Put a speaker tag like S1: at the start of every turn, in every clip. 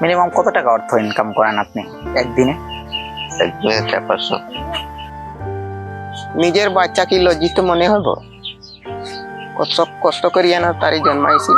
S1: Minimum কত টাকা অর্থ ইনকাম করেন আপনি একদিনে?
S2: একদিনে 400-500।
S3: নিজের বাচ্চা কি লজ্জিত মনে হব? কত কষ্ট করিয়া না তারই জন্মাইছি।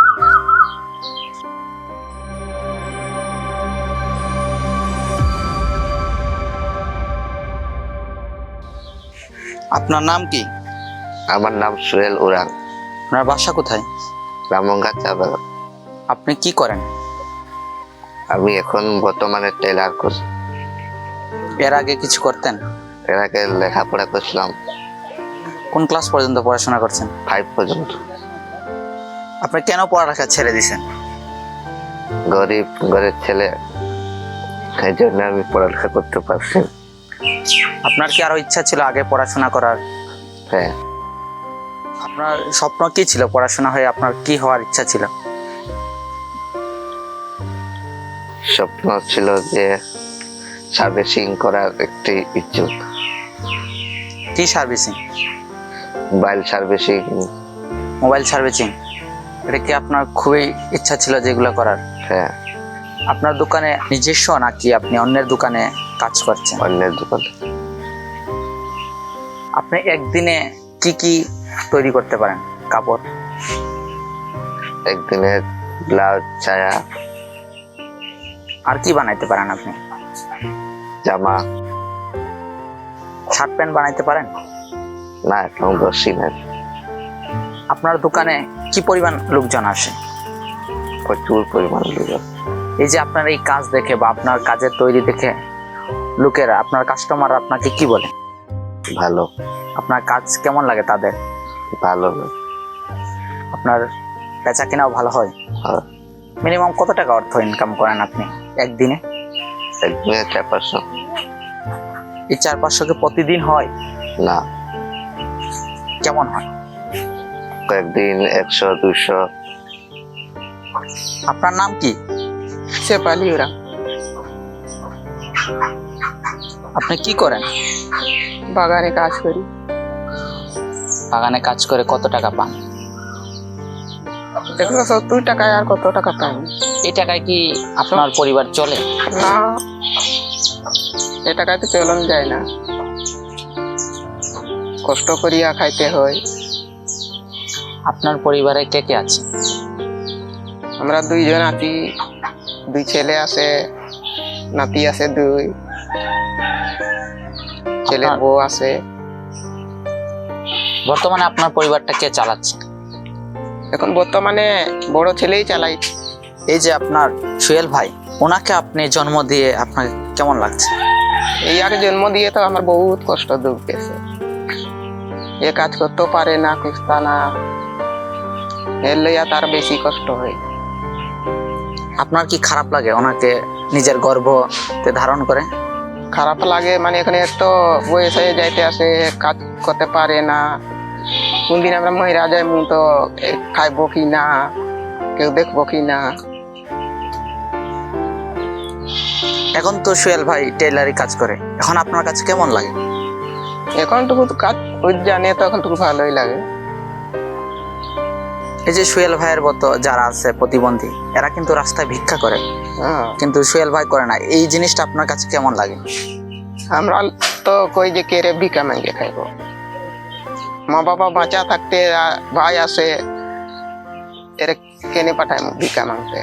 S1: আপনার নাম কি?
S2: আমার নাম সোহেল উরান।
S1: আপনার বাসা কোথায়?
S2: রামগঙ্গা চা বাগান।
S1: আপনি কি করেন?
S2: আমি এখন বর্তমানে টেলার করি।
S1: এর আগে কিছু করতেন?
S2: এর আগে লেখাপড়া করছিলাম,
S1: কোন ক্লাস পর্যন্ত পড়াশোনা করছেন?
S2: 5 পর্যন্ত।
S1: আপনি কেন পড়ালেখা ছেড়ে দিয়েছেন?
S2: গরিব ঘরের ছেলে, এই জন্য আমি পড়ালেখা করতে পারছি না।
S1: আপনার কি আরো ইচ্ছা ছিল আগে পড়াশোনা করার?
S2: হ্যাঁ,
S1: আপনার স্বপ্ন কি ছিল? পড়াশোনা হয়ে আপনার কি হওয়ার ইচ্ছা ছিল?
S2: স্বপ্ন ছিল যে সার্ভিসিং করার একটি ইচ্ছুক।
S1: কি servicing?
S2: Mobile servicing.
S1: Mobile servicing, এটা কি আপনার খুবই ইচ্ছা ছিল যেগুলো করার?
S2: হ্যাঁ,
S1: আপনার দোকানে নিজস্ব নাকি আপনি অন্যের দোকানে কাজ করছেন?
S2: অন্যের দোকানে।
S1: আপনি একদিনে কি কি তৈরি করতে পারেন? কাপড়?
S2: একদিনে ব্লাউজ, ছায়া,
S1: আর কি বানাইতে পারেন আপনি?
S2: জামা।
S1: শার্ট প্যান্ট বানাইতে পারেন?
S2: না, এখন বসি না।
S1: আপনার দোকানে কি পরিমাণ লোকজন আসে?
S2: প্রচুর পরিমাণ লোক।
S1: এই যে আপনার এই কাজ দেখে বা আপনার কাজের তৈরি দেখে লোকেরা, আপনার কাস্টমার আপনাকে কি বলে?
S2: ভালো।
S1: আপনার কাজ কেমন লাগে তাদের?
S2: ভালো।
S1: আপনার বেচা কেনাও ভালো হয়?
S2: হ্যাঁ।
S1: মিনিমাম কত টাকা অর্থ ইনকাম করেন আপনি একদিনে?
S2: একদিনে 400-500।
S1: এই 400-500 কি প্রতিদিন হয়?
S2: না,
S1: কেমন হয়?
S2: কয়েকদিন 100-200।
S1: আপনার নাম কি?
S3: শেফালি উরান।
S1: আপনি কি করেন?
S3: বাগানে কাজ করি।
S1: বাগানে কাজ করে কত টাকা পান?
S3: 170 টাকায় আর কত টাকা পাই?
S1: এই টাকায় কি আপনার পরিবার চলে?
S3: না, এ টাকায় তো চলন যায় না, কষ্ট করিয়া খাইতে হয়।
S1: আপনার পরিবারে কে কে আছে?
S3: আমরা 2 জন আছি, 2 ছেলে আছে, নাতি আছে 2, ছেলের বউ আছে।
S1: বর্তমানে আপনার পরিবারটা কে চালাচ্ছে?
S3: এখন বর্তমানে বড় ছেলেই চালাই।
S1: এই যে আপনার সোহেল ভাই, ওনাকে আপনি জন্ম দিয়ে আপনার কেমন লাগছে?
S3: এই আগে জন্ম দিয়ে তো আমার বহুত কষ্ট দুঃখ গেছে। এ কাজ করতেও পারে না, খুঁজতা না, এর লইয়া তার বেশি কষ্ট হয়।
S1: আপনার কি খারাপ লাগে ওনাকে নিজের গর্ভতে ধারণ করে?
S3: খারাপ লাগে মানে এখানে তো বয়স হয়ে যাইতে আসে, কাজ করতে পারে না। কোনদিন আমরা মহিলা যাই মু তো খাইবো কি না, কেউ দেখবো কি না।
S1: এখন তো সোহেল ভাই টেইলারি কাজ করে, এখন আপনার কাছে কেমন লাগে?
S3: এখন টুকু কাজ জানে তো এখন টুকু ভালোই লাগে।
S1: এই যে সোহেল ভাইয়ের মতো যারা আছে প্রতিবন্ধী, এরা কিন্তু রাস্তায় ভিক্ষা করে,
S3: হ্যাঁ,
S1: কিন্তু সোহেল ভাই করে না। এই জিনিসটা আপনার কাছে কেমন লাগে?
S3: আমরা তো কই যে কেড়ে ভিক্ষা মাঙ্গে খাইবো। মা বাবা বাঁচা থাকতে ভাই আসে, এর কেনে পাঠায় ভিক্ষা মাংতে।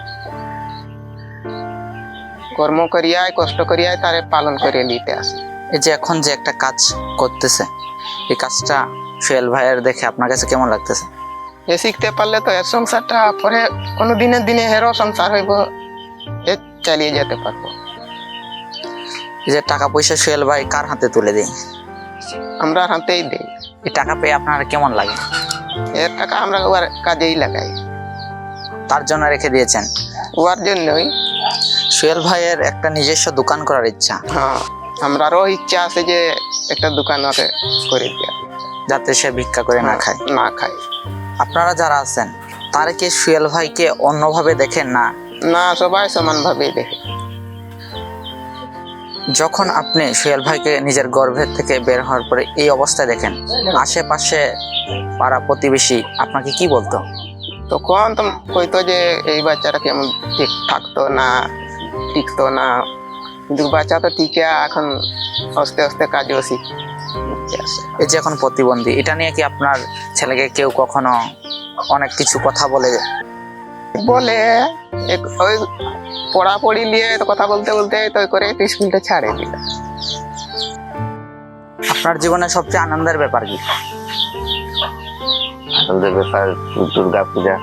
S3: কর্ম করিয়ায় কষ্ট করিয়ায় তারে পালন করে নিতে আসে।
S1: এই যে এখন যে একটা কাজ করতেছে, এই কাজটা সোহেল ভাইয়ের দেখে আপনার কাছে কেমন লাগতেছে?
S3: এ শিখতে পারলে তো এর সংসারটা পরে কোনো দিনের দিনে হেরো সংসার হইব, এ চালিয়ে যেতে পারবো।
S1: এই যে টাকা পয়সা সোহেল ভাই কার হাতে তুলে দেয়?
S3: আমরা হাতেই দেই।
S1: এই টাকা পেয়ে আপনার কেমন লাগে?
S3: এর টাকা আমরা ওর কাজেই লাগাই,
S1: তার জন্য রেখে দিয়েছেন?
S3: ওর জন্যই।
S1: সোহেল ভাইয়ের একটা নিজস্ব দোকান করার ইচ্ছা,
S3: হ্যাঁ, আমরারও ইচ্ছা আছে যে একটা দোকান ওকে করে দেওয়া,
S1: যাতে সে ভিক্ষা করে না খায়।
S3: না খায়।
S1: আপনারা যারা আছেন তারা কি সোহেল ভাইকে অন্যভাবে দেখেন না?
S3: না, সবাই সমান ভাবেই দেখে।
S1: যখন আপনি সোহেল ভাইকে নিজের গর্ভের থেকে বের হওয়ার পরে এই অবস্থায় দেখেন, আশেপাশে পাড়া প্রতিবেশী আপনাকে কি বলতো?
S3: তখন তো কইতো যে এই বাচ্চাটা কেমন ঠিক থাকতো না, টিকতো না, কিন্তু বাচ্চা তো টিকে এখন আস্তে আস্তে কাজও শিখতে আসে।
S1: এই যে এখন প্রতিবন্ধী, এটা নিয়ে কি আপনার ছেলেকে কেউ কখনো অনেক কিছু কথা বলে?
S3: বলে ওই পড়াপড়ি নিয়ে তো কথা বলতে বলতে তো করে স্কুলটা ছাড়ে দিল।
S1: আপনার জীবনে সবচেয়ে আনন্দের ব্যাপার কি?
S2: আমাদের ব্যাপার দুর্গা পূজা।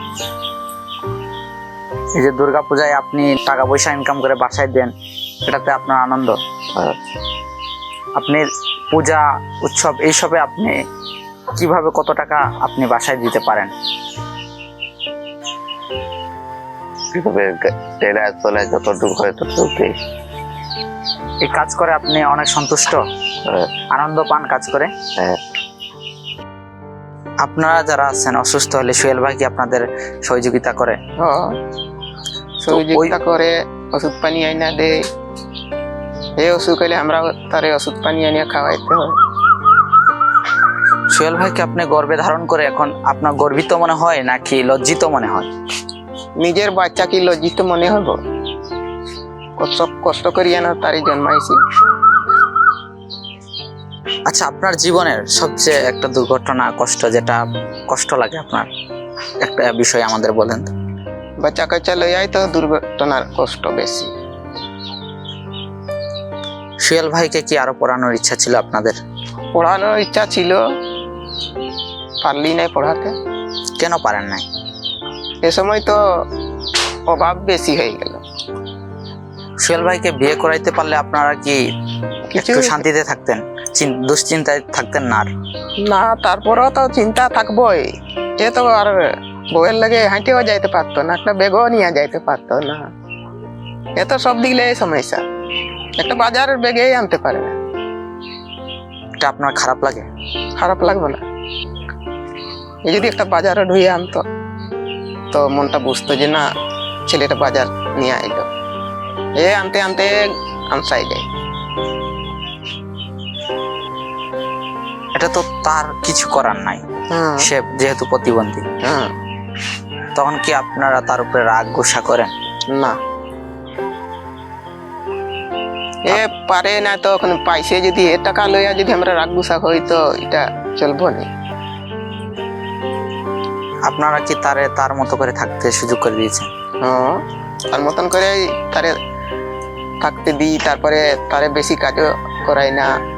S1: এই যে দুর্গা পূজায় আপনি টাকা পয়সা ইনকাম করে বাসায় দেন, এটাতে আপনার আনন্দ?
S2: আর
S1: আপনি পূজা উৎসব এইসবে আপনি কিভাবে কত টাকা আপনি বাসায় দিতে পারেন?
S2: কিভাবে টেরা চলে যতটুকু হয় ততটুকু।
S1: এই কাজ করে আপনি অনেক সন্তুষ্ট, আনন্দ পান কাজ করে?
S2: হ্যাঁ।
S1: আপনারা যারা আছেন অসুস্থ হলে সোহেল ভাই কি আপনাদের সহযোগিতা করে?
S3: সহযোগিতা করে, ওষুধ পানি আইনা দেয়। এই অসুখ হলে আমরা তার ওষুধ পানি আনিয়ে খাওয়াইতে হয়।
S1: সোহেল ভাইকে আপনি গর্বে ধারণ করে এখন আপনার গর্বিত মনে হয় নাকি লজ্জিত মনে হয়?
S3: নিজের বাচ্চা কি লজ্জিত মনে হব? কষ্ট করিয়া না তারই জন্মাইছি।
S1: আচ্ছা, আপনার জীবনের সবচেয়ে একটা দুর্ঘটনা, কষ্ট, যেটা কষ্ট লাগে আপনার, একটা বিষয় আমাদের বলেন তো।
S3: বাচ্চা কাচ্চা লইয়াই তো দুর্ঘটনার কষ্ট বেশি।
S1: সোহেল ভাইকে কি আরো পড়ানোর ইচ্ছা ছিল আপনাদের?
S3: পড়ানোর ইচ্ছা ছিল, পারলি নাই পড়াতে।
S1: কেন পারেন নাই?
S3: এ সময় তো অভাব বেশি হয়ে গেল।
S1: সোহেল ভাইকে বিয়ে করাইতে পারলে আপনারা কি
S3: কিছু
S1: একটু শান্তিতে থাকতেন, দুশ্চিন্তায় থাকতেন না আর?
S3: না, তারপরেও তো চিন্তা থাকবোই। এ তো আর বউয়ের লাগে হাঁটেও যাইতে পারতো না, একটা বেগও নিয়ে যাইতে পারতো না। এ তো সব দিলে এই সমস্যা, একটা বাজারের বেগেই আনতে পারে না।
S1: এটা আপনার খারাপ লাগে?
S3: খারাপ লাগবে না? এই যদি একটা বাজারে ঢুয়ে আনতো তো মনটা বুঝতো যে না, ছেলেটা বাজার নিয়ে আইলো। এ আনতে আনতে আমসাই যায়।
S1: এটা তো তার কিছু করার নাই,
S3: হ্যাঁ,
S1: সে যেহেতু প্রতিবন্ধী।
S3: হ্যাঁ।
S1: তখন কি আপনারা তার উপরে রাগ গোসা করেন?
S3: না, এ পারে না তো ওখানে পাইছে, যদি এ টাকা লইয়া যদি আমরা রাগ গুসা হই তো এটা চলবো না।
S1: আপনারা কি তার মতো করে থাকতে সুযোগ করে দিয়েছেন?
S3: হ্যাঁ, তার মতন করে তারে থাকতে দিই, তারপরে তারে বেশি কাজও করাই না।